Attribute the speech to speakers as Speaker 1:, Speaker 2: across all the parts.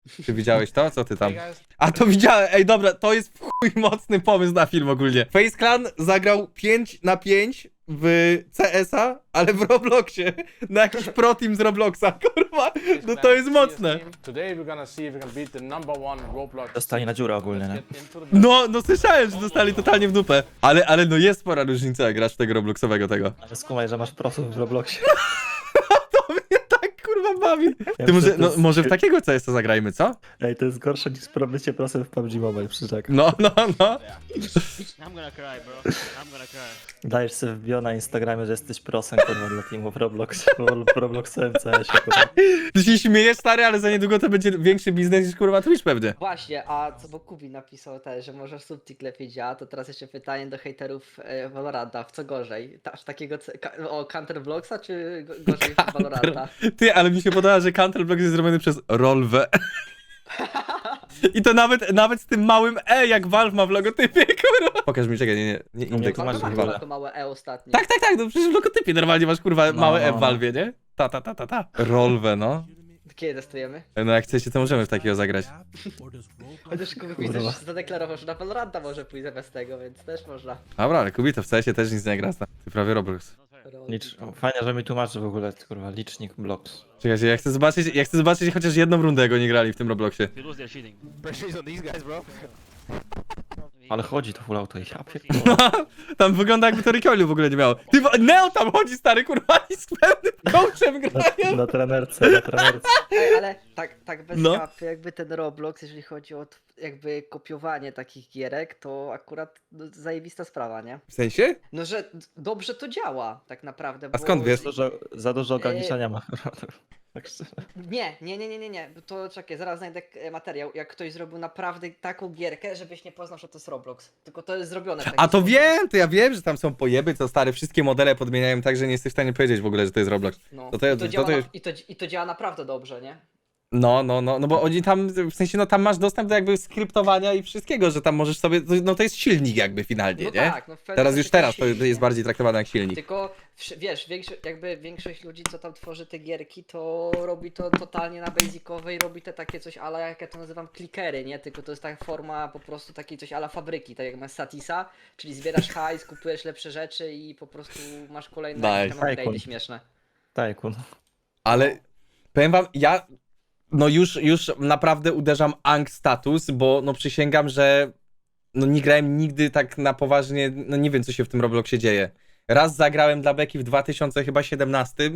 Speaker 1: Ty widziałeś to? Co ty tam? A to widziałem, ej dobra, to jest w chuj mocny pomysł na film ogólnie. Face Clan zagrał 5 na 5 w CS-a, ale w Robloxie. Na jakiś pro team z Robloxa, kurwa. No to jest mocne.
Speaker 2: Dostali na dziurę ogólnie, nie?
Speaker 1: No słyszałem, że dostali totalnie w dupę. Ale no jest spora różnica, jak grasz w tego Robloxowego tego.
Speaker 2: Ale skumaj, że masz prosów w Robloxie.
Speaker 1: To mnie tak kurwa bawi.
Speaker 2: Ja
Speaker 1: Ty
Speaker 2: myślę, to
Speaker 1: może, no,
Speaker 2: jest-
Speaker 1: może w takiego CS-a zagrajmy, co?
Speaker 2: Ej, to jest gorsze niż bycie prosem w PUBG Mobile, przyrzekam.
Speaker 1: No.
Speaker 3: I'm gonna cry, bro. I'm gonna cry.
Speaker 2: Dajesz sobie w bio na Instagramie, że jesteś prosem, kurwa, dla teamu w Roblox. W Robloxowym CS-ie, kurwa.
Speaker 1: Ty się śmiejesz, stary, ale za niedługo to będzie większy biznes niż kurwa Twitch pewnie.
Speaker 4: Właśnie, a co bo Kubi napisał też, że może subtik lepiej działa, to teraz jeszcze pytanie do hejterów Valoranta, w co gorzej? Aż takiego Counter Blocksa, czy gorzej Valoranta?
Speaker 1: Ty, ale mi się podoba, że Counterblock jest zrobiony przez Rolwę. I to nawet z tym małym E, jak Valve ma w logotypie, kurwa. Pokaż mi, czekaj, nie indeks.
Speaker 2: to masz
Speaker 4: Valve
Speaker 2: chyba.
Speaker 4: ma to małe E ostatnio.
Speaker 1: Tak, no przecież w logotypie normalnie masz, kurwa,
Speaker 2: No,
Speaker 1: małe E
Speaker 2: no,
Speaker 1: w
Speaker 2: no.
Speaker 1: Valve'ie, nie? Ta. Rolwę, no.
Speaker 4: Kiedy testujemy?
Speaker 1: No jak chcecie, to możemy w takiego zagrać.
Speaker 4: Chociaż Kubi widzę, że zadeklarował, że na Valoranta może pójść zamiast tego, więc też można.
Speaker 1: Dobra, ale Kubi to w CS-ie też nic nie gra. Ty prawie Roblox.
Speaker 2: Fajnie, że mi tłumaczy w ogóle, kurwa, licznik Blox.
Speaker 1: Czekajcie, ja chcę zobaczyć chociaż jedną rundę, jak oni grali w tym Robloxie.
Speaker 3: If you lose, they're cheating. Pressure's on these guys, bro.
Speaker 2: Ale chodzi to full auto i ja pierdolę.
Speaker 1: Tam wygląda jakby to recoilu w ogóle nie miało. Ty, Neo tam chodzi, stary, kurwa, i z pełnym coachem grają.
Speaker 2: Na trenerce.
Speaker 4: Ej, ale tak bez
Speaker 1: No.
Speaker 4: kapy, jakby ten Roblox, jeżeli chodzi o jakby kopiowanie takich gierek, to akurat no, zajebista sprawa, nie?
Speaker 1: W sensie?
Speaker 4: No, że dobrze to działa tak naprawdę.
Speaker 1: A skąd wiesz?
Speaker 2: Za dużo ograniczenia ma. Tak szczerze.
Speaker 4: Nie. To czekaj, zaraz znajdę materiał. Jak ktoś zrobił naprawdę taką gierkę, żebyś nie poznał, że to jest Roblox. Tylko to jest zrobione w taki
Speaker 1: A to
Speaker 4: sposób.
Speaker 1: wiem, to ja wiem, że tam są pojeby, co stary, wszystkie modele podmieniają tak, że nie jesteś w stanie powiedzieć w ogóle, że to jest Roblox.
Speaker 4: No.
Speaker 1: To
Speaker 4: I, to działa
Speaker 1: jest-
Speaker 4: I to działa naprawdę dobrze, nie?
Speaker 1: No, bo oni tam, w sensie, no tam masz dostęp do jakby skryptowania i wszystkiego, że tam możesz sobie, no to jest silnik jakby finalnie,
Speaker 4: No
Speaker 1: nie?
Speaker 4: tak, no w pewnym
Speaker 1: Teraz
Speaker 4: sensie
Speaker 1: już teraz to
Speaker 4: silnik,
Speaker 1: jest
Speaker 4: nie?
Speaker 1: bardziej traktowane jak silnik.
Speaker 4: Tylko wiesz, większość ludzi, co tam tworzy te gierki, to robi to totalnie na basicowej, robi te takie coś ala, jak ja to nazywam, klikery, nie? Tylko to jest taka forma po prostu takiej coś ala fabryki, tak jak masz Satisa, czyli zbierasz hajs, kupujesz lepsze rzeczy i po prostu masz kolejne jakieś tam
Speaker 2: Nice.
Speaker 4: upgrade'y śmieszne.
Speaker 2: Tajkun.
Speaker 1: Ale powiem wam, ja no już naprawdę uderzam ang status, bo no przysięgam, że no nie grałem nigdy tak na poważnie, no nie wiem co się w tym Robloxie dzieje. Raz zagrałem dla Beki w 2017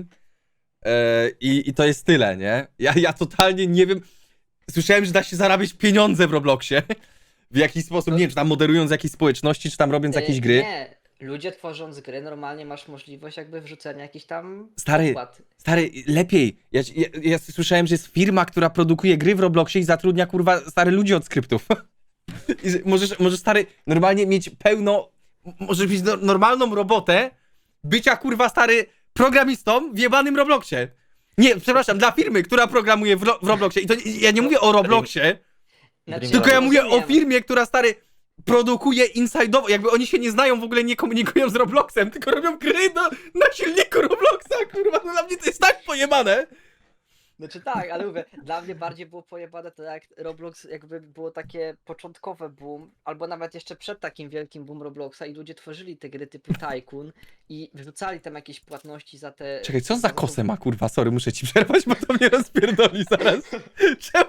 Speaker 1: i to jest tyle, nie? Ja totalnie nie wiem. Słyszałem, że da się zarabiać pieniądze w Robloxie. W jakiś sposób, nie wiem, czy tam moderując jakieś społeczności, czy tam robiąc jakieś gry.
Speaker 4: Nie, ludzie tworząc gry, normalnie masz możliwość jakby wrzucenia jakichś tam
Speaker 1: Stary,
Speaker 4: opłat.
Speaker 1: Stary, lepiej. Ja słyszałem, że jest firma, która produkuje gry w Robloxie i zatrudnia, kurwa, stary ludzi od skryptów. I że możesz, stary, normalnie mieć pełno, możesz mieć normalną robotę bycia, kurwa, stary, programistą w jebanym Robloxie. Nie, przepraszam, dla firmy, która programuje w Robloxie. I to ja nie mówię o Robloxie,
Speaker 4: Znaczy,
Speaker 1: tylko ja mówię o
Speaker 4: rozumiem.
Speaker 1: firmie, która, stary, produkuje inside'owo, jakby oni się nie znają, w ogóle nie komunikują z Robloxem, tylko robią gry na silniku Robloxa, kurwa, no dla mnie to jest tak pojebane.
Speaker 4: Znaczy tak, ale mówię, dla mnie bardziej było pojebane to jak Roblox jakby było takie początkowe boom, albo nawet jeszcze przed takim wielkim boom Robloxa i ludzie tworzyli te gry typu Tycoon i wrzucali tam jakieś płatności za te...
Speaker 1: Czekaj, co za kosę ma, kurwa, sorry, muszę ci przerwać, bo to mnie rozpierdoli zaraz. Czemu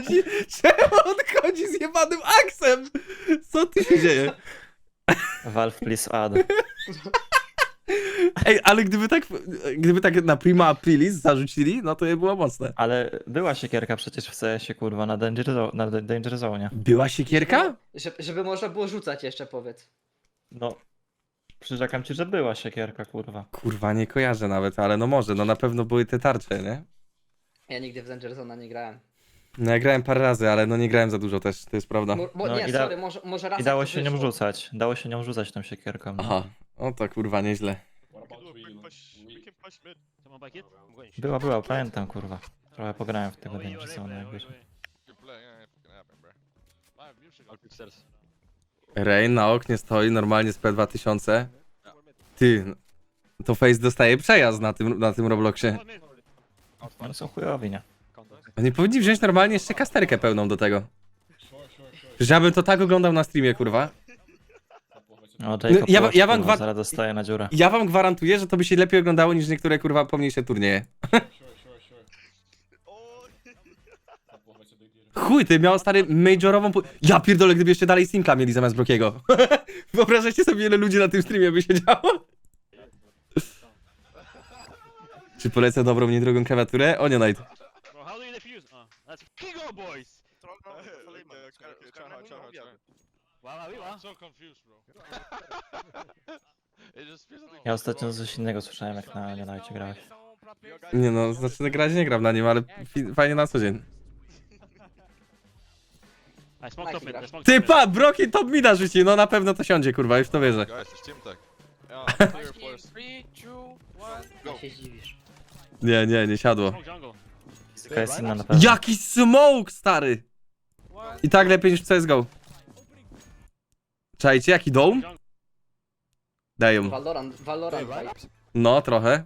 Speaker 1: on chodzi z jebanym aksem? Co ty się dzieje?
Speaker 2: Valve please add.
Speaker 1: Ej, ale gdyby tak na Prima Aprilis zarzucili, no to je było mocne.
Speaker 2: Ale była siekierka przecież w CS-ie, kurwa, na Danger Zone.
Speaker 1: Była siekierka?
Speaker 4: Żeby można było rzucać jeszcze, powiedz.
Speaker 2: No, przyrzekam ci, że była siekierka, kurwa.
Speaker 1: Kurwa, nie kojarzę nawet, ale no może, no na pewno były te tarcze, nie?
Speaker 4: Ja nigdy w Danger Zone'a nie grałem.
Speaker 1: No ja grałem parę razy, ale no nie grałem za dużo też, to jest prawda.
Speaker 2: No
Speaker 4: Nie,
Speaker 2: i
Speaker 4: sorry, może raz
Speaker 2: I dało
Speaker 4: jak to
Speaker 2: się nią
Speaker 4: wyszło.
Speaker 2: rzucać. Dało się nią rzucać tą siekierką. No.
Speaker 1: Aha, o to kurwa, nieźle.
Speaker 3: Someone bike it? I'm going
Speaker 2: Była, pamiętam, kurwa. Trochę pograłem w tego Danger Zone, jak wiesz.
Speaker 3: I'll pick stairs.
Speaker 1: Rain na oknie stoi normalnie z P2000. Ty, to Face dostaje przejazd na tym Robloxie.
Speaker 2: No są chujowi, nie?
Speaker 3: Counter.
Speaker 1: Oni powinni wziąć normalnie jeszcze kasterkę pełną do tego. Że ja bym to tak oglądał na streamie, kurwa.
Speaker 2: O, Jacob
Speaker 1: ja
Speaker 2: Watch,
Speaker 1: wam
Speaker 2: kurwa,
Speaker 1: gwa-
Speaker 2: zaraz dostaje na dziurę.
Speaker 1: Ja wam gwarantuję, że to by się lepiej oglądało niż niektóre, kurwa, pomniejsze turnieje. Chuj, ty miał stary majorową... Ja pierdolę, gdyby jeszcze dalej Simka mieli zamiast Brokiego. Wyobrażacie sobie, ile ludzi na tym streamie by siedziało? Czy polecę dobrą, niedrogą klawiaturę? Onionite.
Speaker 3: Bro, how do you defuse? Oh, let's go, boys! Wow, wow, wow.
Speaker 5: So confused, bro. It just feels like
Speaker 2: Ja ostatnio coś innego słyszałem, jak na Unite grałeś.
Speaker 1: Nie no, znaczy grać nie gram na nim, ale fajnie na co dzień.
Speaker 3: I smoked up mid, I smoked
Speaker 1: Ty
Speaker 3: up mid.
Speaker 1: pa, Broki top mida rzuci, no na pewno to siądzie, kurwa, już w to wierzę.
Speaker 5: guys, it's team tech. Yeah, clear first.
Speaker 6: 3, 2, 1.
Speaker 4: Ja się zdziwisz.
Speaker 1: Nie siadło.
Speaker 3: Smoke jungle.
Speaker 2: Taka jest inna na pewno.
Speaker 1: Jaki smoke, stary! I tak lepiej niż w CSGO. Czajcie, jaki dome? Dają.
Speaker 4: Valorant vibes.
Speaker 1: No, trochę.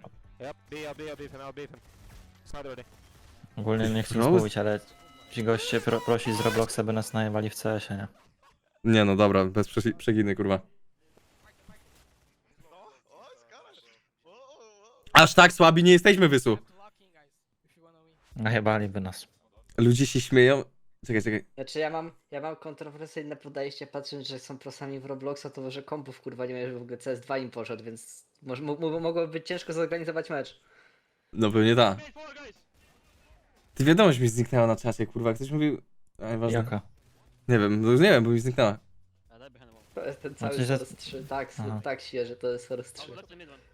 Speaker 2: Ogólnie nie chcę nic
Speaker 1: Rose?
Speaker 2: mówić, ale ci goście prosi z Robloxa, by nas najewali w CS-ie, nie?
Speaker 1: Nie no, dobra, bez przeginy, kurwa. Aż tak słabi nie jesteśmy, Wysu.
Speaker 2: Najebaliby nas.
Speaker 1: Ludzie się śmieją. Czekaj.
Speaker 4: Znaczy ja mam kontrowersyjne podejście, patrząc, że są prosami w Robloxa, to może kompów kurwa nie wiem, że w ogóle CS2 im poszedł, więc mogłoby być ciężko zorganizować mecz.
Speaker 1: No pewnie ta.
Speaker 3: Mid four, guys!
Speaker 1: Ty wiadomość mi zniknęła na czasie, kurwa. Ktoś mówił... Ważne.
Speaker 2: Jaka?
Speaker 1: Nie wiem, no już nie wiem, bo mi zniknęła.
Speaker 3: Ah, that behind the wall.
Speaker 4: To jest ten cały
Speaker 2: Znaczy, że-
Speaker 4: Source 3, tak,
Speaker 2: Aha.
Speaker 4: tak świeży, to jest Source 3.
Speaker 3: Oh, left the mid one.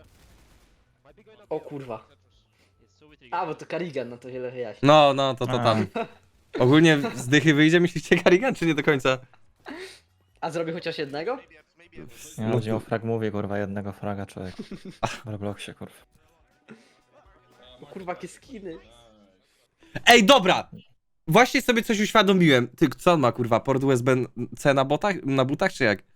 Speaker 4: O kurwa.
Speaker 3: It's so with
Speaker 4: A, bo to Karigan, no to wiele wyjaśni.
Speaker 1: No, to
Speaker 2: A.
Speaker 1: tam. Ogólnie z dychy wyjdzie, myślicie Karigan, czy nie do końca?
Speaker 4: A zrobi chociaż jednego?
Speaker 2: Nie
Speaker 1: No
Speaker 2: chodzi
Speaker 1: to-
Speaker 2: o frag, mówię, kurwa, jednego fraga, człowiek. W Robloxie, kurwa.
Speaker 4: O kurwa, jakie skiny.
Speaker 1: Ej, dobra! Właśnie sobie coś uświadomiłem. Ty, co on ma, kurwa? Port USB-C na butach, czy jak?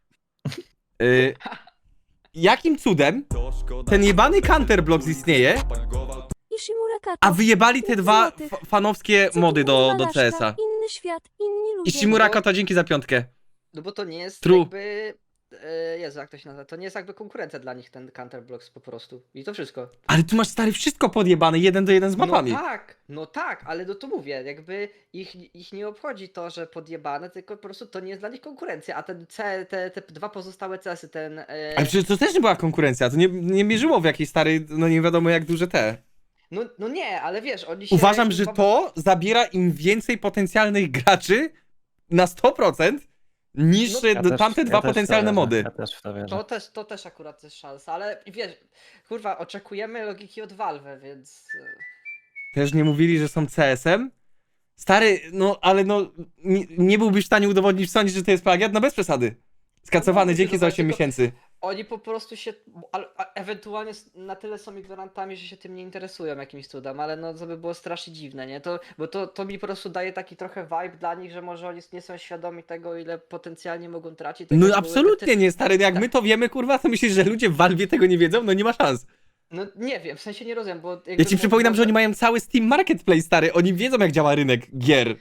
Speaker 1: Jakim cudem ten jebany Counterblock istnieje, a wyjebali te dwa fanowskie mody do CS-a?
Speaker 7: Inny świat, inni ludzie.
Speaker 1: I Shimuraka to dzięki za piątkę.
Speaker 4: No bo to nie jest
Speaker 1: True.
Speaker 4: jakby... Jezu, jak to się nazywa? To nie jest jakby konkurencja dla nich, ten Counterblocks po prostu. I to wszystko.
Speaker 1: Ale tu masz, stary, wszystko podjebane, 1-do-1 z mapami.
Speaker 4: No tak, ale no to mówię, jakby ich nie obchodzi to, że podjebane, tylko po prostu to nie jest dla nich konkurencja, a te dwa pozostałe CS-y, ten...
Speaker 1: Ale przecież to też nie była konkurencja, to nie mierzyło w jakiejś stary, no nie wiadomo jak duże te.
Speaker 4: No nie, ale wiesz, oni się...
Speaker 1: Uważam, że to zabiera im więcej potencjalnych graczy na 100% niż
Speaker 4: No,
Speaker 2: Ja też-
Speaker 1: tamte
Speaker 2: ja
Speaker 1: dwa
Speaker 2: też w to
Speaker 1: potencjalne
Speaker 2: wierzę,
Speaker 1: mody.
Speaker 2: Ja też w to wierzę.
Speaker 4: To też akurat jest szansa, ale wiesz, kurwa, oczekujemy logiki od Valve, więc...
Speaker 1: Też nie mówili, że są CS-em? Stary, no ale no nie byłbyś w stanie udowodnić, sądzić, że to jest plagiat? No bez przesady. Skacowany,
Speaker 4: No,
Speaker 1: dzięki za 8
Speaker 4: tylko-
Speaker 1: miesięcy.
Speaker 4: Oni po prostu się, a ewentualnie na tyle są ignorantami, że się tym nie interesują jakimś cudem, ale no to by było strasznie dziwne, nie? Bo to mi po prostu daje taki trochę vibe dla nich, że może oni nie są świadomi tego, ile potencjalnie mogą tracić. Tak
Speaker 1: No
Speaker 4: jak były
Speaker 1: absolutnie nie, stary, jak my to wiemy, kurwa, to myślisz, że ludzie w Valve tego nie wiedzą? No nie ma szans.
Speaker 4: No nie wiem, w sensie nie rozumiem, bo...
Speaker 1: Ja ci przypominam, że oni mają cały Steam Marketplace, stary, oni wiedzą jak działa rynek gier.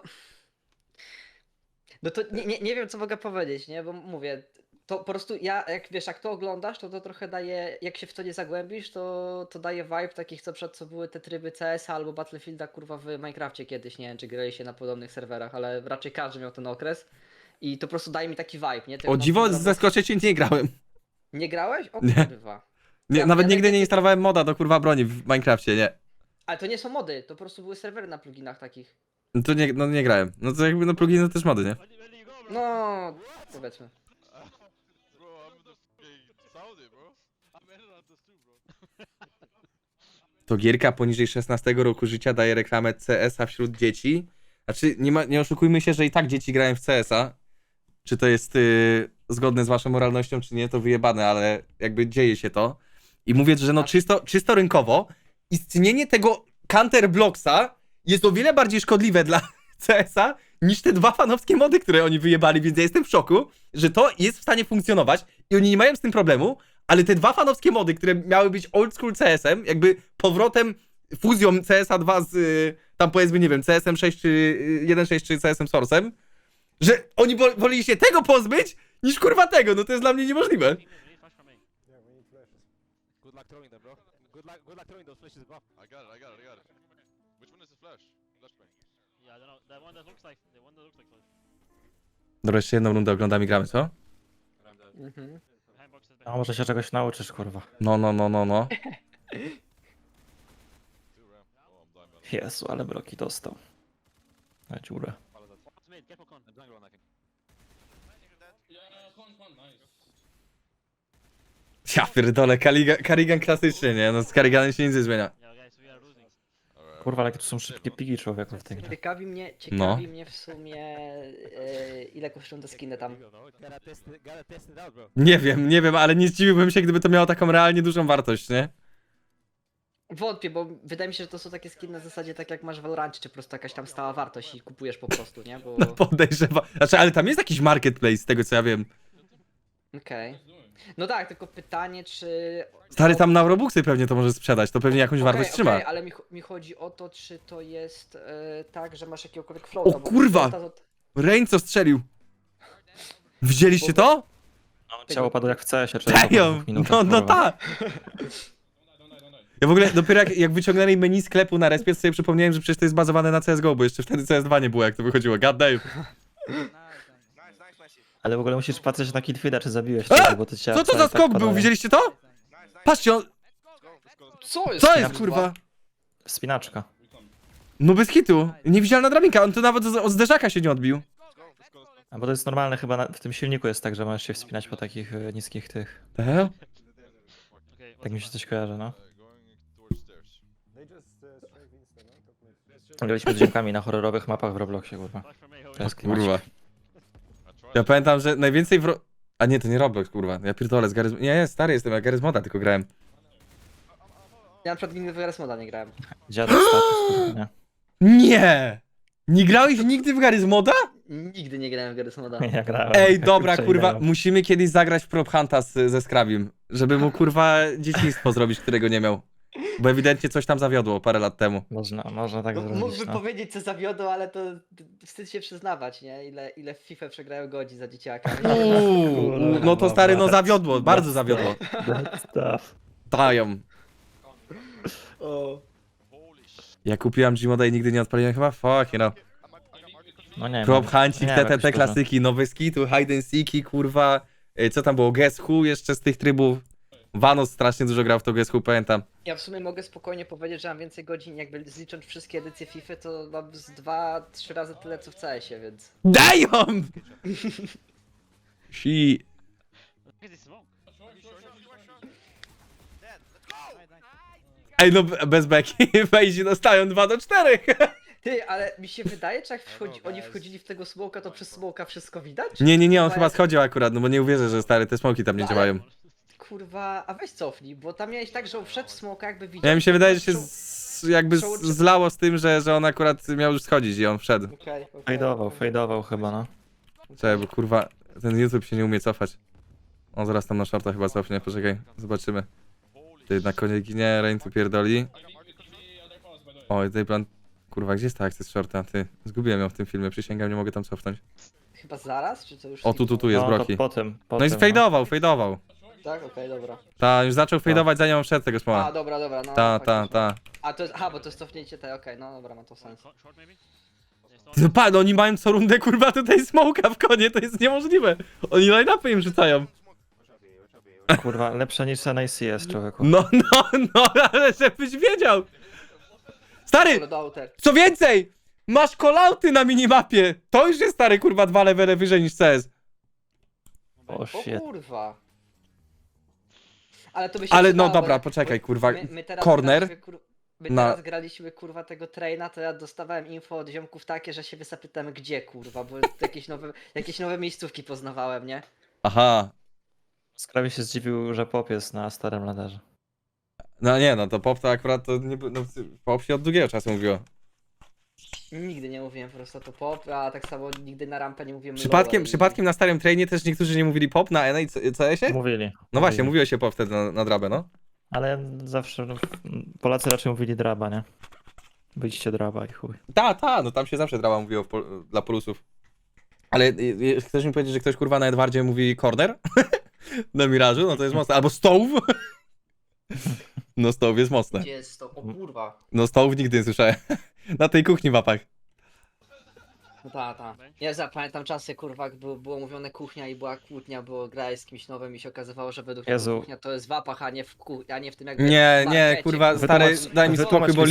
Speaker 4: No to nie wiem, co mogę powiedzieć, nie? Bo mówię, to po prostu jak to oglądasz, to trochę daje, jak się w to nie zagłębisz, to daje vibe takich, co były te tryby CS albo Battlefielda, kurwa, w Minecrafcie kiedyś, nie wiem, czy grali się na podobnych serwerach, ale raczej każdy miał ten okres i to po prostu daje mi taki vibe, nie? Tego
Speaker 1: O dziwo,
Speaker 4: na tym
Speaker 1: zaskoczę cię, nie grałem.
Speaker 4: Nie grałeś? O
Speaker 1: Nie.
Speaker 4: kurwa.
Speaker 1: Nie,
Speaker 4: Ja-
Speaker 1: nawet
Speaker 4: ja
Speaker 1: nigdy nie
Speaker 4: najwięcej-
Speaker 1: instalowałem moda do kurwa broni w Minecrafcie, nie.
Speaker 4: Ale to nie są mody, to po prostu były serwery na pluginach takich.
Speaker 1: No to nie grałem. No to jakby no pluginy to też mody, nie?
Speaker 3: Where do you go, bro?
Speaker 4: No, powiedzmy.
Speaker 5: Bro, I'm in the fucking Saudi, bro.
Speaker 3: I'm in on this too, bro.
Speaker 1: To gierka poniżej 16 roku życia daje reklamę CS-a wśród dzieci. Znaczy, nie oszukujmy się, że i tak dzieci grają w CS-a. Czy to jest zgodne z waszą moralnością, czy nie, to wyjebane, ale jakby dzieje się to. I mówię, że no czysto rynkowo istnienie tego Counterblocksa jest o wiele bardziej szkodliwe dla CS-a niż te dwa fanowskie mody, które oni wyjebali, więc ja jestem w szoku, że to jest w stanie funkcjonować i oni nie mają z tym problemu, ale te dwa fanowskie mody, które miały być old school CS-em, jakby powrotem, fuzją CS-a 2 tam powiedzmy, nie wiem, CSM 6 czy 1.6 czy CSM Source'em, że oni woleli się tego pozbyć, niż kurwa tego, no to jest dla mnie niemożliwe.
Speaker 3: Flash from me.
Speaker 6: Good luck throwing them, bro. Good luck throwing those flashes, bro.
Speaker 5: I got it. Which one is the flash? Flashbang.
Speaker 3: Yeah, I don't know. The one that looks like flash.
Speaker 1: Dobra, jeszcze jedną rundę oglądamy i gramy, co?
Speaker 4: Mhm.
Speaker 3: Behind box is
Speaker 2: A może się czegoś nauczysz, kurwa.
Speaker 1: No.
Speaker 5: Two ram. Oh, I'm dying, man.
Speaker 2: Jezu, ale bloki dostał. Na dziurę.
Speaker 3: What's mid? Careful con.
Speaker 6: Jungle one, I think.
Speaker 1: Ja pierdolę, Karigan klasycznie, nie? No z Kariganem się nic nie zmienia.
Speaker 3: Yeah, guys, we are losing.
Speaker 5: Alright.
Speaker 2: Kurwa, ale jakie to są szybkie pigi człowieku w tej grze.
Speaker 4: Ciekawi mnie
Speaker 1: No.
Speaker 4: w sumie ile kosztują te skiny tam.
Speaker 6: Gotta test it out, bro.
Speaker 1: Nie wiem, ale nie zdziwiłbym się, gdyby to miało taką realnie dużą wartość, nie?
Speaker 4: Wątpię, bo wydaje mi się, że to są takie skiny na zasadzie tak jak masz w Valorancie, czy po prostu jakaś tam stała wartość i kupujesz po prostu, nie? Bo...
Speaker 1: No podejrzewam. Znaczy, ale tam jest jakiś marketplace, z tego co ja wiem.
Speaker 4: Okej. No tak, tylko pytanie, czy...
Speaker 1: Stary, tam na Robuxy pewnie to może sprzedać, to pewnie jakąś wartość trzyma.
Speaker 4: ale mi chodzi o to, czy to jest tak, że masz jakiegokolwiek floata.
Speaker 1: O kurwa! Rain co strzelił. Widzieliście to?
Speaker 2: No, ciało padło jak w CS-ie, czy
Speaker 1: Damn! No tak! Ja w ogóle dopiero jak wyciągnęli menu sklepu na respie, to sobie przypomniałem, że przecież to jest bazowane na CSGO, bo jeszcze wtedy CS2 nie było, jak to wychodziło. God damn.
Speaker 2: Ale w ogóle musisz patrzeć na killfeeda, czy zabiłeś
Speaker 1: A!
Speaker 2: tego, bo to ciało
Speaker 1: Co to za skok był? Widzieliście to? Patrzcie,
Speaker 4: Co jest?
Speaker 1: co jest kurwa?
Speaker 2: Spinaczka.
Speaker 1: No bez hitu. Niewidzialna drabinka, on to nawet od zderzaka się nie odbił.
Speaker 2: A bo to jest normalne chyba, w tym silniku jest tak, że możesz się wspinać po takich niskich tych.
Speaker 1: The hell?
Speaker 3: Okay,
Speaker 2: Tak mi się coś kojarzy, no.
Speaker 5: Going towards stairs.
Speaker 2: Graliśmy z ziomkami na horrorowych mapach w Robloxie, kurwa.
Speaker 3: flash from me.
Speaker 2: To jest
Speaker 1: Kurwa.
Speaker 2: klimat.
Speaker 5: I tried.
Speaker 1: Ja pamiętam, że najwięcej A nie, to nie Roblox, kurwa. Ja pierdolę, z Garry's... Nie, stary jestem, ja Garry's Moda tylko grałem.
Speaker 4: Ja na przykład nigdy w Garry's Moda nie grałem.
Speaker 2: Dziadek status, kurwa, nie?
Speaker 1: Nie! Nie grałeś nigdy w Garry's Moda?
Speaker 4: Nigdy nie grałem w Garry's Moda.
Speaker 2: Ja grałem.
Speaker 1: Ej, dobra,
Speaker 2: Kurczę,
Speaker 1: kurwa,
Speaker 2: ideał.
Speaker 1: musimy kiedyś zagrać w Prop Hunta ze Scrabim, żeby mu, kurwa, dzieciństwo zrobić, którego nie miał. Bo ewidentnie coś tam zawiodło parę lat temu.
Speaker 2: Można tak zrobić,
Speaker 4: Mógłby
Speaker 2: no.
Speaker 4: powiedzieć, co zawiodło, ale to wstyd się przyznawać, nie? Ile w FIFA przegrają godzin za dzieciaka.
Speaker 1: No to stary, no zawiodło, bardzo zawiodło.
Speaker 2: Stuff.
Speaker 1: Dają.
Speaker 4: O.
Speaker 5: Holy shit.
Speaker 1: Ja kupiłam Gmoda i nigdy nie odpaliłem chyba, fuck, you know.
Speaker 2: No nie
Speaker 1: Prop
Speaker 2: wiem.
Speaker 1: Huncik,
Speaker 2: Nie wiem, jakoś
Speaker 1: te
Speaker 2: dużo.
Speaker 1: klasyki, nowe skitu, hide and seeki, kurwa. Co tam było, Guess Who jeszcze z tych trybów. Vanos strasznie dużo grał w to Guess Who, pamiętam.
Speaker 4: Ja w sumie mogę spokojnie powiedzieć, że mam więcej godzin, jakby zlicząc wszystkie edycje FIFA, to mam z 2-3 razy tyle co w CS-ie, więc...
Speaker 1: Damn! She...
Speaker 3: Look at this smoke.
Speaker 1: Ej, no bez beki, wejdzie dostają 2-4.
Speaker 4: Ty, ale mi się wydaje, że jak oni wchodzili w tego smoka, to przez smoka wszystko widać?
Speaker 1: Nie, on
Speaker 4: Chyba
Speaker 1: chyba
Speaker 4: jak-
Speaker 1: schodził akurat, no bo nie uwierzę, że stary, te smoki tam nie
Speaker 4: No, ale-
Speaker 1: działają.
Speaker 4: Kurwa, a weź cofnij, bo tam miałeś tak, że on wszedł w smoka, jakby widział...
Speaker 1: Ja mi się wydaje, że się
Speaker 4: Przeł-
Speaker 1: jakby
Speaker 4: przełączy-
Speaker 1: zlało z tym, że on akurat miał już schodzić i on wszedł.
Speaker 4: Okej.
Speaker 2: Fejdował chyba, no.
Speaker 1: Czekaj, bo kurwa, ten YouTube się nie umie cofać. On zaraz tam na shorta chyba cofnie, poczekaj, zobaczymy. Ty na konie ginie, Rain tu pierdoli. Oj, tutaj plan... Kurwa, gdzie jest ta akcja z shorta? Ty, zgubiłem ją w tym filmie, przysięgam, nie mogę tam cofnąć.
Speaker 4: Chyba zaraz, czy to już...
Speaker 1: O, tu jest
Speaker 2: No,
Speaker 1: Broki.
Speaker 2: to potem.
Speaker 1: No i fejdował.
Speaker 4: Tak, okej, dobra.
Speaker 1: Ta, już zaczął fejdować zanim on wszedł tego
Speaker 4: A,
Speaker 1: smoła.
Speaker 4: dobra, no.
Speaker 1: Ta.
Speaker 4: A to jest, aha, bo to jest cofnięcie tej, okej, no dobra, ma to sens.
Speaker 3: Short maybe?
Speaker 1: Ty, no pa, no oni mają co rundę, kurwa, tutaj smoka w konie, to jest niemożliwe. Oni line-upy im rzucają.
Speaker 2: Kurwa, lepsze niż NACS, człowieku.
Speaker 1: No, ale żebyś wiedział. Stary,
Speaker 4: Loadouter.
Speaker 1: co więcej, masz call-outy na minimapie. To już jest, stary, kurwa, 2 levele wyżej niż CS.
Speaker 2: O
Speaker 4: O
Speaker 2: shit.
Speaker 4: kurwa. Ale to by się
Speaker 1: Ale no
Speaker 4: przydało,
Speaker 1: dobra,
Speaker 4: bo-
Speaker 1: poczekaj,
Speaker 4: bo
Speaker 1: kurwa,
Speaker 4: my teraz
Speaker 1: corner
Speaker 4: graliśmy, my
Speaker 1: na-
Speaker 4: teraz graliśmy kurwa tego traina, to ja dostawałem info od ziomków takie, że się zapytałem gdzie kurwa, bo jakieś nowe miejscówki poznawałem, nie?
Speaker 1: Aha.
Speaker 2: Skrawie się zdziwił, że pop jest na starym ladarze.
Speaker 1: No nie, no to pop to akurat to nie... No, pop się od długiego czasu mówiło.
Speaker 4: Nigdy nie mówiłem po prostu to pop, a tak samo nigdy na rampę nie mówiłem
Speaker 1: Przypadkiem na starym trainie też niektórzy nie mówili pop na NA i CS-ie?
Speaker 2: Mówili.
Speaker 1: No właśnie, mówiło się pop wtedy na drabę, no.
Speaker 2: Ale zawsze Polacy raczej mówili draba, nie? Wyjdźcie drawa i chuj.
Speaker 1: No tam się zawsze drama mówiło dla polusów. Ale chcesz mi powiedzieć, że ktoś kurwa na Edwardzie mówi corner? Na Mirażu? No to jest mocne. Albo stove? No stove jest mocne.
Speaker 4: Gdzie jest to? O kurwa.
Speaker 1: No stove nigdy nie słyszałem. Na tej kuchni w apach.
Speaker 4: No ta. Ja zapamiętam czasy, kurwa, jak było mówione kuchnia i była kłótnia, bo grałeś z kimś nowym i się okazywało, że według niego
Speaker 2: Jezu.
Speaker 4: kuchnia to jest w apach, a nie w tym jakby
Speaker 1: Nie,
Speaker 4: w
Speaker 1: nie,
Speaker 4: markecie,
Speaker 1: kurwa, stary, daj mi spokój, bo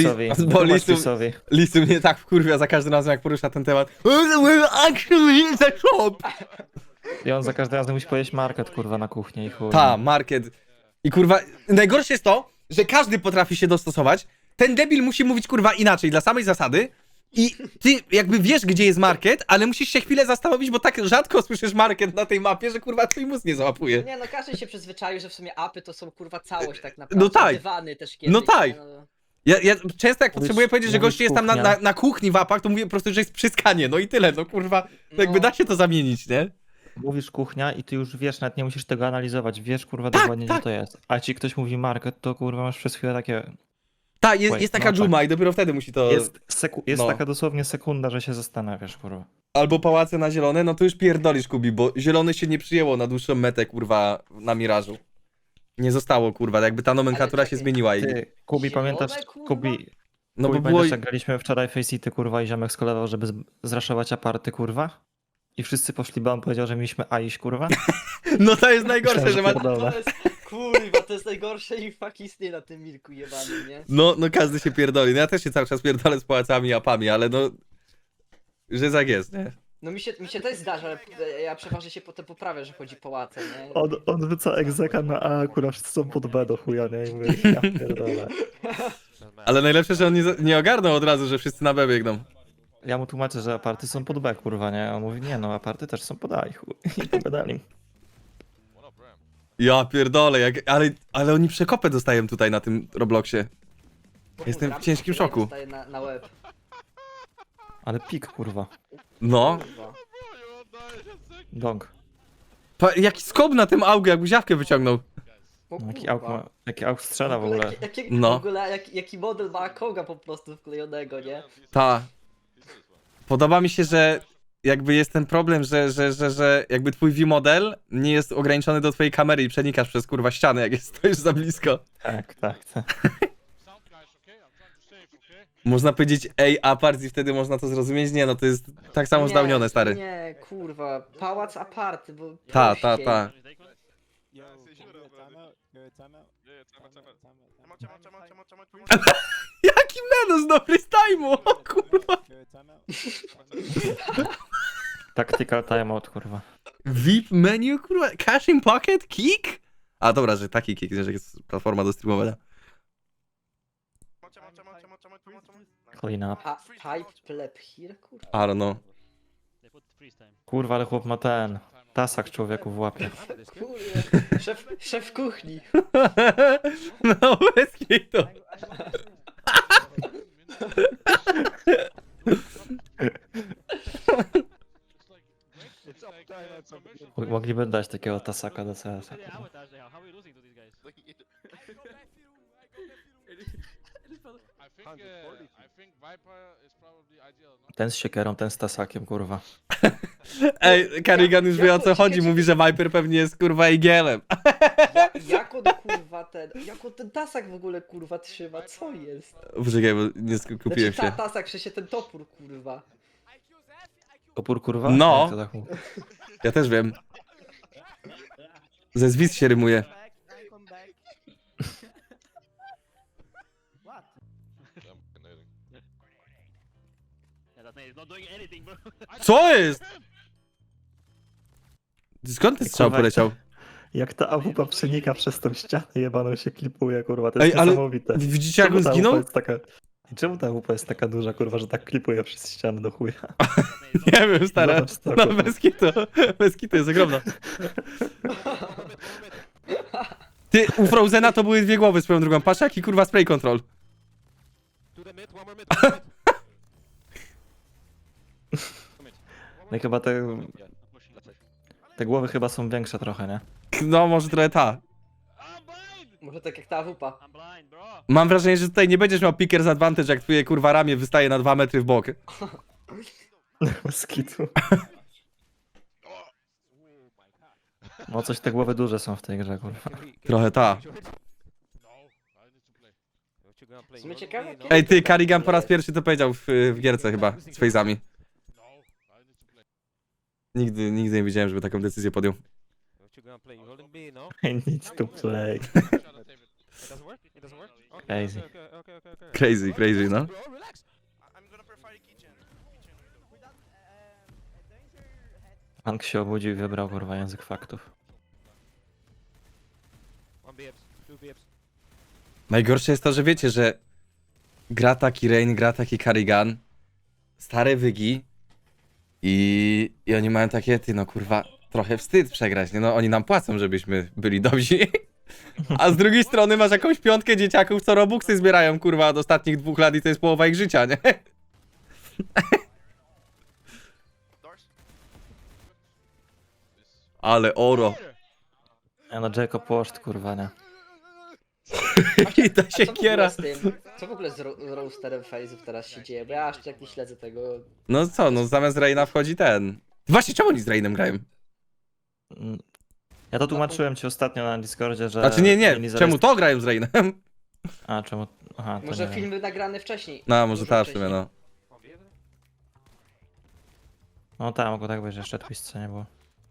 Speaker 1: Lisu mnie tak wkurwia za każdym razem, jak porusza ten temat. Actually, it's a shop!
Speaker 2: I on za każdym razem musi powiedzieć market, kurwa, na kuchnię i chuj.
Speaker 1: Ta, market. I kurwa, najgorsze jest to, że każdy potrafi się dostosować. Ten debil musi mówić kurwa inaczej, dla samej zasady. I ty jakby wiesz, gdzie jest market, ale musisz się chwilę zastanowić, bo tak rzadko słyszysz market na tej mapie, że kurwa twój mózg nie załapuje.
Speaker 4: Nie no, każdy się przyzwyczaił, że w sumie apy to są kurwa całość tak naprawdę.
Speaker 1: No tak.
Speaker 4: Dywany też kiedyś.
Speaker 1: No tak.
Speaker 4: nie, no.
Speaker 1: Ja często jak
Speaker 2: Mówisz-
Speaker 1: potrzebuję powiedzieć, że
Speaker 2: mówisz
Speaker 1: gościu jest tam
Speaker 2: kuchnia.
Speaker 1: na kuchni w apach, to mówię po prostu, że jest przyskanie, no i tyle, no kurwa. To jakby
Speaker 4: No.
Speaker 1: da się to zamienić, nie?
Speaker 2: Mówisz kuchnia i ty już wiesz, nawet nie musisz tego analizować, wiesz kurwa
Speaker 1: Tak,
Speaker 2: dokładnie
Speaker 1: tak.
Speaker 2: gdzie to jest. A ci ktoś mówi market, to kurwa masz przez chwilę takie...
Speaker 1: Tak, jest,
Speaker 2: Wait,
Speaker 1: jest taka
Speaker 2: no tak.
Speaker 1: dżuma i dopiero wtedy musi to...
Speaker 2: Jest
Speaker 1: no.
Speaker 2: taka dosłownie sekunda, że się zastanawiasz, kurwa.
Speaker 1: Albo pałace na zielone, no to już pierdolisz, Kubi, bo zielone się nie przyjęło na dłuższą metę, kurwa, na Mirażu. Nie zostało, kurwa, jakby ta nomenklatura
Speaker 4: Ale
Speaker 1: się
Speaker 4: czekaj,
Speaker 1: zmieniła i...
Speaker 2: Ty, Kubi,
Speaker 4: Zielone,
Speaker 2: pamiętasz,
Speaker 4: kurwa?
Speaker 2: Kubi,
Speaker 1: No bo
Speaker 2: Kubi,
Speaker 1: było...
Speaker 2: pamiętasz jak graliśmy wczoraj Face City, kurwa, i ziomek skolewał, żeby zraszować aparty, kurwa? I wszyscy poszli, bo on powiedział, że mieliśmy A iść, kurwa?
Speaker 1: No to jest najgorsze, że ma...
Speaker 2: Pierdolę.
Speaker 4: To jest, kurwa, to jest najgorsze i fuck istnieje na tym milku jebanym, nie?
Speaker 1: No każdy się pierdoli. No ja też się cały czas pierdolę z pałacami i apami, ale no... Że tak jest, nie?
Speaker 4: No mi się też zdarza, ale ja przeważnie się potem poprawię, że chodzi pałace, nie?
Speaker 2: On wrzuca egzeka na A, akurat wszyscy są pod B do chuja, nie? I mówię, ja pierdolę.
Speaker 1: Ale najlepsze, że on nie ogarnął od razu, że wszyscy na B biegną.
Speaker 2: Ja mu tłumaczę, że aparty są pod B, kurwa, nie? A on mówi, nie no, aparty też są pod A i chuj. I pogadali.
Speaker 5: What up, Ram?
Speaker 1: Ja pierdolę, ale oni przekopę dostają tutaj na tym Robloxie.
Speaker 4: Bo
Speaker 1: Jestem w
Speaker 4: kurwa,
Speaker 1: ciężkim szoku.
Speaker 4: dostaję na łeb.
Speaker 2: Ale pik, kurwa.
Speaker 1: No.
Speaker 4: Kurwa.
Speaker 5: Bro, you all die in a sec.
Speaker 2: Dong.
Speaker 1: Jaki skop na tym augu, jak buziawkę wyciągnął.
Speaker 4: O
Speaker 2: Jaki auk strzela w ogóle.
Speaker 1: No.
Speaker 4: W ogóle jaki model ma Koga po prostu wklejonego, nie?
Speaker 1: Ta. Podoba mi się, że jakby jest ten problem, że jakby twój V-model nie jest ograniczony do twojej kamery i przenikasz przez kurwa ściany, jak stoisz za blisko.
Speaker 2: Tak.
Speaker 5: Sound guys, okay? I'm trying to save, okay?
Speaker 1: Można powiedzieć ej, apart i wtedy można to zrozumieć. Nie, no to jest tak samo zdałnione, stary.
Speaker 4: Nie, kurwa, pałac aparty, bo...
Speaker 1: Ta.
Speaker 5: Yeah, say sure, brother. Yeah, time out.
Speaker 1: Jaki menos dobry z time'u, o kurwa.
Speaker 2: Tactical timeout, kurwa.
Speaker 1: VIP menu, kurwa, cash in pocket, kick? A dobra, że taki kick, że jest platforma do streamowania.
Speaker 2: Clean up.
Speaker 4: Pipe pleb here, kurwa.
Speaker 1: I don't know.
Speaker 2: Kurwa, ale chłop ma ten. Tasak człowieku w łapie.
Speaker 4: Kurde, szef kuchni.
Speaker 1: No, bez kitu.
Speaker 2: Mogliby dać takiego tasaka do CS-a.
Speaker 3: How are we losing to these guys?
Speaker 5: I think Viper is probably ideal, no?
Speaker 2: Ten z siekierą, ten z tasakiem, kurwa.
Speaker 1: Ej, Karigan już wie o co chodzi, mówi, że Viper pewnie jest kurwa igielem.
Speaker 4: Jak on kurwa jak on ten tasak w ogóle kurwa trzyma, co jest?
Speaker 1: Poczekaj, bo nie skupiłem
Speaker 4: Znaczy
Speaker 1: się.
Speaker 4: tasak, że się ten topór kurwa.
Speaker 2: Opór, kurwa?
Speaker 1: No.
Speaker 2: Jak to tak mówi?
Speaker 1: Ja też wiem. Ze zwis się rymuje.
Speaker 5: Yeah, I'm fucking
Speaker 3: Yeah, that nade is not doing anything, bro.
Speaker 1: Co jest? Skąd ten strzał
Speaker 2: Kurwa,
Speaker 1: poleciał?
Speaker 2: Jak ta AWP przenika przez tą ścianę jebaną się klipuje, kurwa, to
Speaker 1: Ej,
Speaker 2: jest
Speaker 1: ale
Speaker 2: niesamowite.
Speaker 1: widzicie jak
Speaker 2: Czemu
Speaker 1: on
Speaker 2: ta
Speaker 1: zginął?
Speaker 2: AWP jest taka... I czemu ta AWP jest taka duża, kurwa, że tak klipuje przez ścianę do chuja?
Speaker 1: Nie wiem, stara.
Speaker 2: Zobacz to,
Speaker 1: No
Speaker 2: kurwa.
Speaker 1: bez kitu jest ogromna. Ty, u Frozena to były dwie głowy swoją drugą. Patrz jaki kurwa spray control.
Speaker 6: To the mid, one more mid, one more mid.
Speaker 2: No i chyba te głowy chyba są większe trochę, nie?
Speaker 1: No może trochę ta.
Speaker 3: I'm blind!
Speaker 4: Może tak jak ta AWP.
Speaker 3: I'm blind, bro.
Speaker 1: Mam wrażenie, że tutaj nie będziesz miał pickers advantage, jak twoje kurwa ramię wystaje na 2 metry w bok.
Speaker 2: Skitu. No coś te głowy duże są w tej grze, kurwa.
Speaker 1: Trochę ta.
Speaker 5: No, I need to play.
Speaker 4: W sumie ciekawe, jakie-
Speaker 1: Ej, ty, Carrigan po raz pierwszy to powiedział w gierce chyba, z fejzami.
Speaker 5: No, I need to play.
Speaker 1: Nigdy nie widziałem, żeby taką decyzję podjął.
Speaker 6: What you gonna play? You holding B, no?
Speaker 2: I need to play.
Speaker 5: Shut up, David.
Speaker 6: It doesn't work? It doesn't work? Okay,
Speaker 2: Crazy.
Speaker 6: okay.
Speaker 1: Crazy, no.
Speaker 6: Bro, relax.
Speaker 5: I'm gonna prefer kitchen.
Speaker 2: Hank się obudził i wybrał, kurwa, język faktów.
Speaker 6: 1 BFs, 2 BFs.
Speaker 1: Najgorsze jest to, że wiecie, że gra taki Rain, gra taki Carrigan, stare wygi i oni mają takie, ty no kurwa, trochę wstyd przegrać, nie no, oni nam płacą, żebyśmy byli dobrzy. A z drugiej strony masz jakąś piątkę dzieciaków, co robuxy zbierają, kurwa, od ostatnich 2 lat i to jest połowa ich życia, nie? Ale oro.
Speaker 2: Ja no Jacob Washed, kurwa, nie.
Speaker 1: I ta
Speaker 4: A co w ogóle
Speaker 1: siekiera.
Speaker 4: z tym? Co w ogóle z roasterem Faze'ów teraz się dzieje? Bo ja aż tak nie śledzę tego.
Speaker 1: No co, no zamiast Raina wchodzi ten. Właśnie, czemu oni z Rainem grają?
Speaker 2: Mm. Ja to tłumaczyłem ci ostatnio na Discordzie, że...
Speaker 1: Znaczy nie,
Speaker 2: mieli
Speaker 1: czemu to grają z Rainem?
Speaker 2: A, czemu... Aha, to
Speaker 4: Może
Speaker 2: nie wiem.
Speaker 4: filmy nagrane wcześniej.
Speaker 1: No, może
Speaker 4: Dużo
Speaker 1: tak w sumie,
Speaker 4: wcześniej.
Speaker 1: no.
Speaker 2: No tak, mogło tak być, że jeszcze twist co nie było.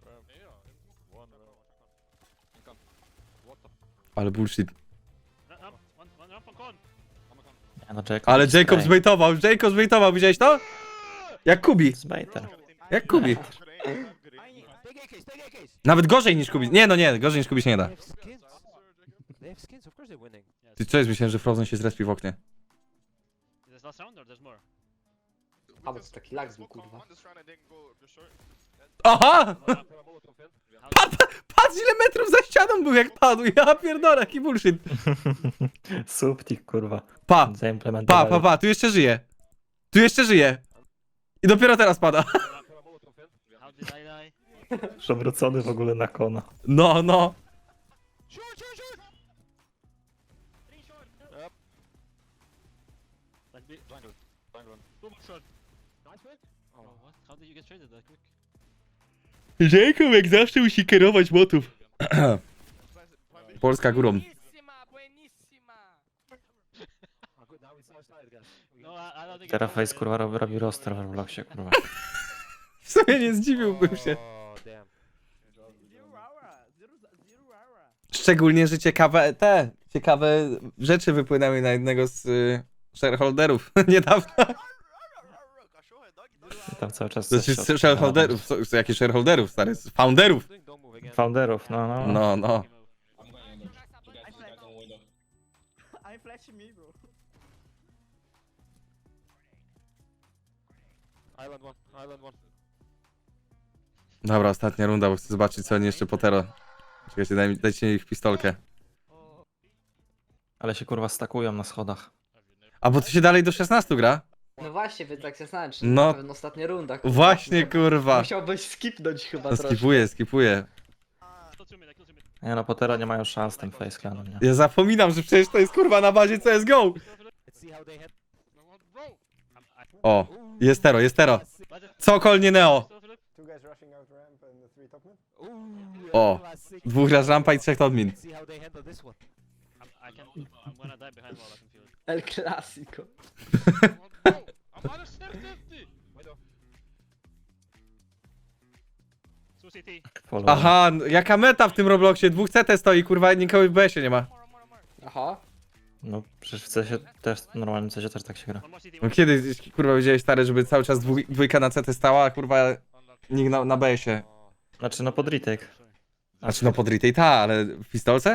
Speaker 1: Ale bullshit.
Speaker 3: One ramp on con.
Speaker 2: Nie, no Jacob...
Speaker 1: Ale
Speaker 2: jest
Speaker 1: Jacob
Speaker 2: straight.
Speaker 1: zbejtował, widziałeś to? Jak Kubi,
Speaker 2: Z baiter.
Speaker 1: jak Kubi.
Speaker 6: Take AKs, take AKs.
Speaker 1: Nawet gorzej niż Kubi. Nie, no nie, gorzej niż Kubi się nie da.
Speaker 6: They have skins. They have skins, of course they're winning.
Speaker 1: Ty co jest, myślałem, że Frozen się zrespi w oknie.
Speaker 3: Is this last round or there's more?
Speaker 4: A bo to taki lag był, kurwa.
Speaker 1: Aha!
Speaker 3: How,
Speaker 1: Patrz ile metrów za ścianą był jak padł, ja pierdolę, jaki bullshit.
Speaker 2: Subtik, kurwa.
Speaker 1: Pa,
Speaker 2: Zaimplementowali.
Speaker 1: tu jeszcze żyje. Tu jeszcze żyje. I dopiero teraz pada.
Speaker 3: how did I die?
Speaker 2: Przewrócony w ogóle na kona.
Speaker 1: No, no.
Speaker 3: Like be jungle. Two more shot.
Speaker 6: Nice win.
Speaker 3: Oh, what? How did you get traded that quick?
Speaker 1: Jacob jak zawsze musi kierować motów. Polska górą.
Speaker 6: Oh, good, now it's our side, guys. We
Speaker 3: No, I don't think.
Speaker 2: Teraz Face, kurwa, robi roster w Robloxie, kurwa.
Speaker 1: W sumie nie zdziwiłbym się.
Speaker 6: Oh, damn.
Speaker 1: Szczególnie, że ciekawe rzeczy wypłynęły na jednego z shareholderów niedawno.
Speaker 2: Tam cały czas...
Speaker 1: Znaczy
Speaker 2: coś
Speaker 1: z shareholderów, jakie shareholderów, stary, z founderów.
Speaker 6: Don't move again.
Speaker 2: Founderów, no.
Speaker 1: No, no.
Speaker 7: I flash me, bro.
Speaker 6: Island one.
Speaker 1: Dobra, ostatnia runda, bo chcę zobaczyć co oni jeszcze potero. Czekajcie, dajcie mi ich pistolkę.
Speaker 2: Ale się, kurwa, stakują na schodach.
Speaker 1: A bo to się dalej do 16 gra?
Speaker 4: No właśnie, wy tak się znałem, czy
Speaker 1: No.
Speaker 4: na pewno ostatnia runda. kurwa.
Speaker 1: Właśnie, kurwa.
Speaker 4: Musiałbyś skipnąć chyba
Speaker 1: No,
Speaker 4: troszkę.
Speaker 1: skipuję.
Speaker 3: Kill 2 mid, kill 2 mid.
Speaker 2: Nie no, Potera nie mają szans z tym Face Clanem, nie?
Speaker 1: Ja zapominam, że przecież to jest kurwa na bazie CSGO.
Speaker 6: Let's see how they had.
Speaker 1: O, jest tero. Cokolnie Neo.
Speaker 7: Two guys rushing out ramp and the three top mid.
Speaker 1: O,
Speaker 6: classic.
Speaker 1: 2 raz rampa i 3 admin.
Speaker 6: Let's see how they handle this one.
Speaker 3: I'm gonna die behind wall, I can feel it.
Speaker 4: El Clasico.
Speaker 5: I'm on a certainty.
Speaker 3: Two CT.
Speaker 2: Follow.
Speaker 1: Aha, jaka meta w tym Robloxie? 2 CT stoi, kurwa, nikogo w BS-ie nie ma.
Speaker 4: Aha.
Speaker 2: No, przecież w CSie też, w normalnym CSie też tak się gra.
Speaker 3: One more CT.
Speaker 1: No kiedy, kurwa, widziałeś stary, żeby cały czas dwójka na CT stała, a kurwa, nikt na BS-ie.
Speaker 2: Znaczy, no pod retake.
Speaker 1: Znaczy no pod retake, ta, ale w pistolce?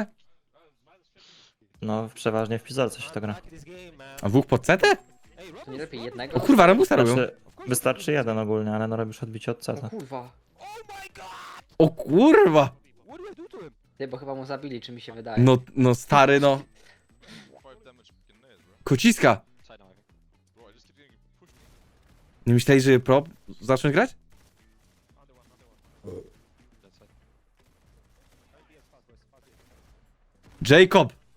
Speaker 2: No, przeważnie w pizolce się to gra.
Speaker 6: Back in this game, man.
Speaker 1: A 2 pod CT?
Speaker 6: Hey,
Speaker 4: To nie lepiej
Speaker 1: O
Speaker 4: jednego?
Speaker 1: kurwa, Rambusa robią.
Speaker 2: Znaczy, wystarczy jeden ogólnie, ale no robisz odbicie od
Speaker 4: O
Speaker 2: CT.
Speaker 4: kurwa.
Speaker 6: Oh my god!
Speaker 1: O kurwa!
Speaker 6: What do I do to him?
Speaker 4: Ty, bo chyba mu zabili, czy mi się wydaje.
Speaker 1: No stary, no.
Speaker 5: 5 damage in nails, bro.
Speaker 1: Kociska.
Speaker 5: Bro, I just keep getting pushed.
Speaker 1: Nie myśleli, że pro zacząć grać? Jacob!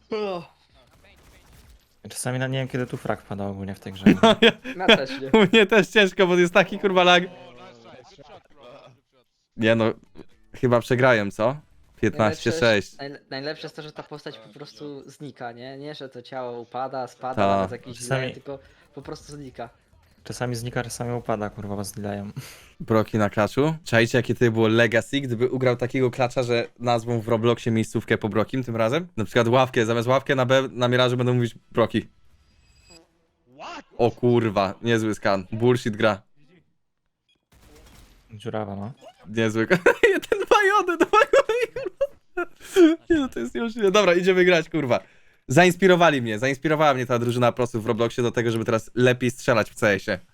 Speaker 2: Czasami nie wiem, kiedy tu frag pada ogólnie w tej grze.
Speaker 4: Ja też nie.
Speaker 1: U mnie też ciężko, bo jest taki kurwa lag. Nie no, chyba przegrałem, co? 15-6.
Speaker 4: Najlepsze jest to, że ta postać po prostu znika, nie? Nie, że to ciało upada, spada,
Speaker 1: Ta.
Speaker 4: nawet jakiś
Speaker 2: Czasami-
Speaker 4: źle, tylko po prostu znika.
Speaker 2: Czasami znika, czasami upada, kurwa, was zdilają.
Speaker 1: Broki na klaczu. Czajcie, jakie to było legacy, gdyby ugrał takiego klacza, że nazwą w Robloxie miejscówkę po Brokim tym razem? Na przykład ławkę, zamiast ławkę na B na Mirażu będą mówić Broki. O kurwa, niezły skan. Bullshit gra.
Speaker 2: Dziurawa, no.
Speaker 1: Niezły. Jeden bajony, nie no, to jest niemożliwe. Dobra, idziemy grać, kurwa. Zainspirowała mnie ta drużyna prosów w Robloxie do tego, żeby teraz lepiej strzelać w CS-ie.